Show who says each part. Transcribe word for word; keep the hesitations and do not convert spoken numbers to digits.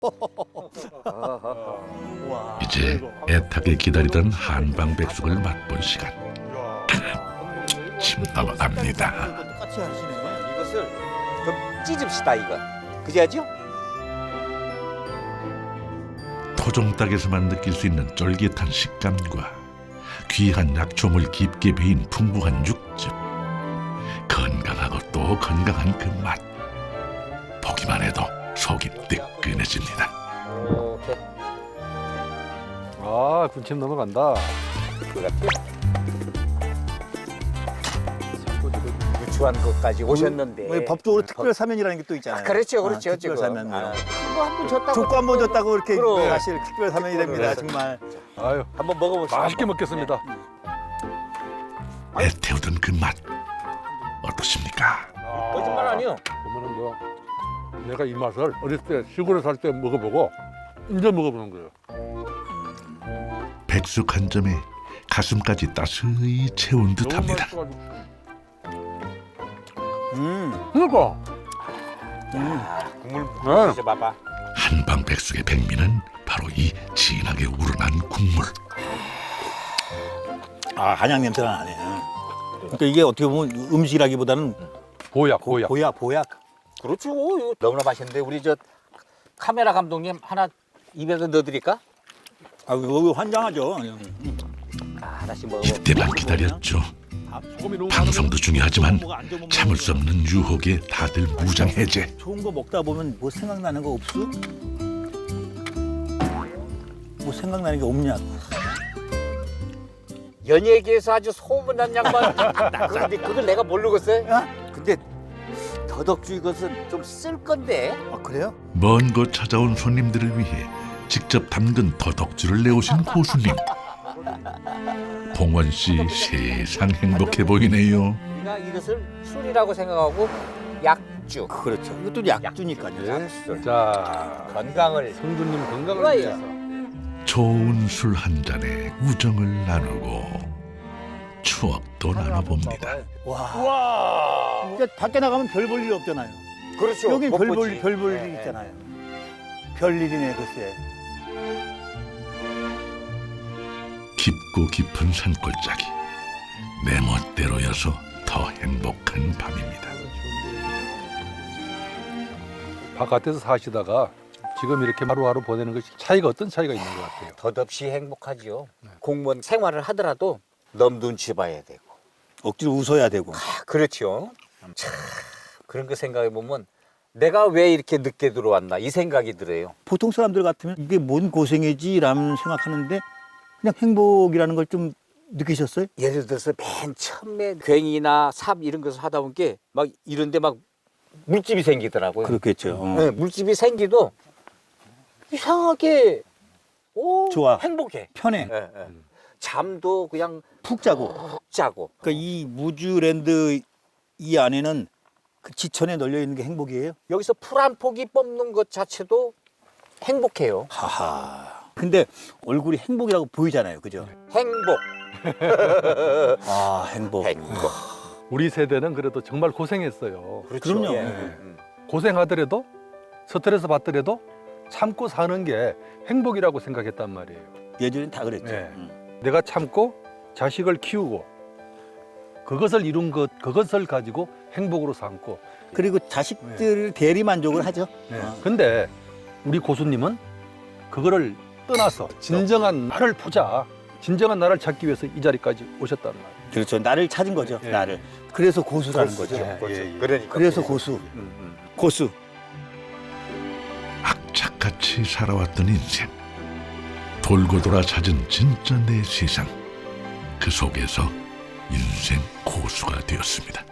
Speaker 1: 이제 애타게 기다리던 한방 백숙을 맛볼 시간. 침 넘어갑니다.
Speaker 2: 똑같이 하시네.
Speaker 3: 이것을 좀 찢읍시다 이거. 그제죠?
Speaker 1: 토종닭에서만 느낄 수 있는 쫄깃한 식감과 귀한 약초물 깊게 배인 풍부한 육즙. 건강하고 또 건강한 그 맛. 보기만 해도 속이 뜨끈해집니다.
Speaker 3: 이렇게
Speaker 4: 아, 군침 넘어간다.
Speaker 3: 그 같아요. 유추한 것까지 오셨는데.
Speaker 2: 뭐 법적으로 특별 사면이라는 게 또 있잖아요.
Speaker 3: 아, 그렇죠, 그렇죠.
Speaker 2: 아, 특별 사면.
Speaker 3: 아, 그거 한번 줬다고.
Speaker 2: 조건 한번 줬다고 이렇게
Speaker 3: 그럼.
Speaker 2: 사실 특별 사면이 됩니다. 정말.
Speaker 4: 아유,
Speaker 3: 한번 먹어보시죠.
Speaker 4: 맛있게 먹겠습니다.
Speaker 1: 애태우던 그 맛 어떠십니까?
Speaker 3: 거짓말 아니요.
Speaker 4: 보면은 뭐 내가 이 맛을 어렸을 때 시골에 살 때 먹어보고 이제 먹어보는 거예요.
Speaker 1: 백숙 한 점에 가슴까지 따스히 채운 듯합니다.
Speaker 4: 너무 맛있어가지고.
Speaker 2: 음.
Speaker 4: 그러니까
Speaker 3: 야, 국물
Speaker 4: 네.
Speaker 3: 드셔봐봐.
Speaker 1: 한방 백숙의 백미는 바로 이 진하게 우러난 국물.
Speaker 2: 아, 한약 냄새가 나네. 그러니까 이게 어떻게 보면 음식이라기보다는
Speaker 4: 보약, 보약.
Speaker 2: 보약, 보약.
Speaker 3: 그렇죠. 이거 너무나 맛있는데 우리 저 카메라 감독님 하나 입에서 넣어드릴까?
Speaker 2: 아, 이거 환장하죠.
Speaker 3: 아, 하나씩 먹어보.
Speaker 1: 이때만 기다렸죠.
Speaker 4: 소금이 너무
Speaker 1: 방송도 중요하지만 참을 수 없는 유혹에 다들 무장해제.
Speaker 2: 좋은 거 먹다 보면 뭐 생각나는 거 없어? 뭐 생각나는 게 없냐고.
Speaker 3: 연예계에서 아주 소문난 양반. 근데 그걸 내가 모르겠어요. 근데 더덕주 이것은 좀 쓸 건데.
Speaker 2: 아, 그래요?
Speaker 1: 먼 곳 찾아온 손님들을 위해 직접 담근 더덕주를 내오신 고수님. 봉원 씨 세상 행복해 보이네요.
Speaker 3: 우리가 이것을 술이라고 생각하고 약주.
Speaker 2: 그렇죠. 이것도 약주니까요.
Speaker 4: 네. 자,
Speaker 3: 건강을.
Speaker 4: 성주님 건강을
Speaker 3: 이거예요.
Speaker 4: 위해서.
Speaker 1: 좋은 술 한 잔에 우정을 나누고 추억도 나눠봅니다.
Speaker 2: 와.
Speaker 3: 와.
Speaker 2: 진짜 밖에 나가면 별 볼 일 없잖아요.
Speaker 3: 그렇죠.
Speaker 2: 여긴
Speaker 3: 못
Speaker 2: 별
Speaker 3: 보지.
Speaker 2: 볼 별 볼
Speaker 3: 네,
Speaker 2: 일
Speaker 3: 네.
Speaker 2: 있잖아요. 별일이네 글쎄.
Speaker 1: 깊고 깊은 산골짜기. 내 멋대로여서 더 행복한 밤입니다.
Speaker 4: 바깥에서 사시다가 지금 이렇게 하루하루 보내는 것이 차이가 어떤 차이가 있는 것 같아요.
Speaker 3: 덧없이 행복하지요. 공무원 생활을 하더라도 넘 눈치 봐야 되고.
Speaker 2: 억지로 웃어야 되고.
Speaker 3: 아, 그렇죠. 참 그런 거 생각해 보면 내가 왜 이렇게 늦게 들어왔나 이 생각이 들어요.
Speaker 2: 보통 사람들 같으면 이게 뭔 고생이지라는 생각하는데 그냥 행복이라는 걸 좀 느끼셨어요?
Speaker 3: 예를 들어서 맨 처음에 괭이나 삽 이런 것을 하다 보니까 막 이런데 막 물집이 생기더라고요.
Speaker 2: 그렇겠죠. 어.
Speaker 3: 네, 물집이 생기도 이상하게 오,
Speaker 2: 좋아.
Speaker 3: 행복해.
Speaker 2: 편해.
Speaker 3: 네, 네. 잠도 그냥
Speaker 2: 푹 자고.
Speaker 3: 푹 자고.
Speaker 2: 그러니까 이 무주랜드 이 안에는 그 지천에 널려 있는 게 행복이에요?
Speaker 3: 여기서 풀 한 포기 뽑는 것 자체도 행복해요.
Speaker 2: 하하. 근데 얼굴이 행복이라고 보이잖아요. 그죠?
Speaker 3: 행복.
Speaker 2: 아, 행복.
Speaker 3: 행복.
Speaker 4: 우리 세대는 그래도 정말 고생했어요.
Speaker 3: 그렇죠.
Speaker 2: 그럼요.
Speaker 3: 예.
Speaker 2: 네.
Speaker 3: 음.
Speaker 4: 고생하더라도 스트레스 받더라도 참고 사는 게 행복이라고 생각했단 말이에요.
Speaker 2: 예전엔 다 그랬죠.
Speaker 4: 네.
Speaker 2: 음.
Speaker 4: 내가 참고 자식을 키우고 그것을 이룬 것, 그것을 가지고 행복으로 삼고.
Speaker 2: 그리고 자식들 대리 만족을 하죠.
Speaker 4: 네.
Speaker 2: 어.
Speaker 4: 근데 우리 고수님은 그거를 떠나서 진정한 나를 보자. 진정한 나를 찾기 위해서 이 자리까지 오셨단 말이에요.
Speaker 2: 그렇죠. 나를 찾은 거죠.
Speaker 4: 예.
Speaker 2: 나를. 그래서 고수라는
Speaker 3: 고수죠.
Speaker 2: 거죠.
Speaker 3: 고수.
Speaker 4: 예, 예.
Speaker 3: 그러니까.
Speaker 2: 그래서 고수.
Speaker 4: 음, 음.
Speaker 2: 고수.
Speaker 1: 악착같이 살아왔던 인생. 돌고 돌아 찾은 진짜 내 세상. 그 속에서 인생 고수가 되었습니다.